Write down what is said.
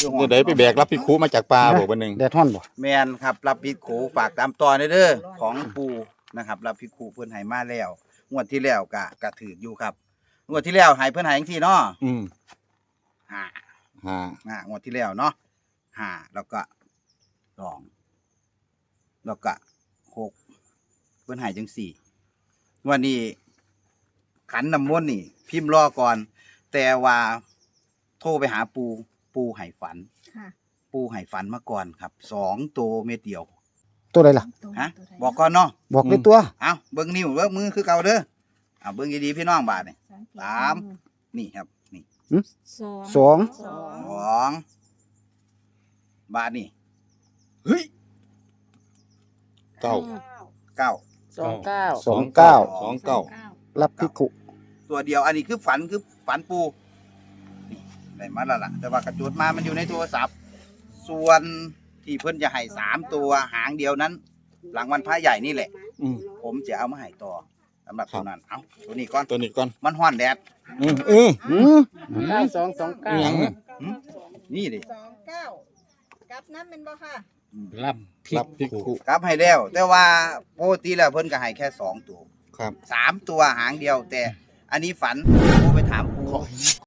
เนี่ยได้ไปแบกรับพี่คูมาจากป่าบอกวันหนึ่งแดดฮ้อนบ่แมนครับรับพิษโขฝากตามตอนเด้อของปูนะครับรับพิษโขเพิ่นให้มาแล้วงวดที่แล้วก็ถืออยู่ครับงวดที่แล้วให้เพิ่นให้จังซี่เนาะ ห้า งวดที่แล้วเนาะห้าแล้วก็สองแล้วก็หกเพิ่นให้จังสี่วันนี้ขันน้ำมนต์นี่ พิมพ์รอก่อน แต่ว่าโทรไปหาปูให้ฝันค่ะปูให้ฝันมาก่อนครับ2 ตัวเม็ดเดียวตัวใดล่ะฮะบอกก่อนเนาะบอกเลยตัวเอาเบิ่งนิ้วเบิ่งมือคือเก่าเด้อเอาเบิ่งดีๆพี่น้องบาดนี่ สาม นี่ครับนี่สอง 2บาทนี่เฮ้ยเก้า 9 29 สองเก้า 29 รับพิคุตัวเดียวอันนี้คือฝันปูนี่ได้มาแล้วล่ะ แต่ว่ากระจุดมามันอยู่ในโทรศัพท์ ส่วนที่เพิ่นจะให้3 ตัวหางเดียวนั้น หลังวันพระใหญ่นี่แหละอืมผมจะเอามาให้ต่อสำหรับครับตัวนั้นเอาตัวนี้ก่อนตัวนี้ก่อนมันฮ้อนแดดอืมอืมอหย่างน่ะนี่ดิ 29กับน้ำเป็นบ่ค่ะรับพี่คูกลับให้แล้ว แต่ว่าปกติแล้วเพิ่นก็ให้แค่2 ตัวครับ 3 ตัวหางเดียว แต่อันนี้ฝันโทรไปถามปู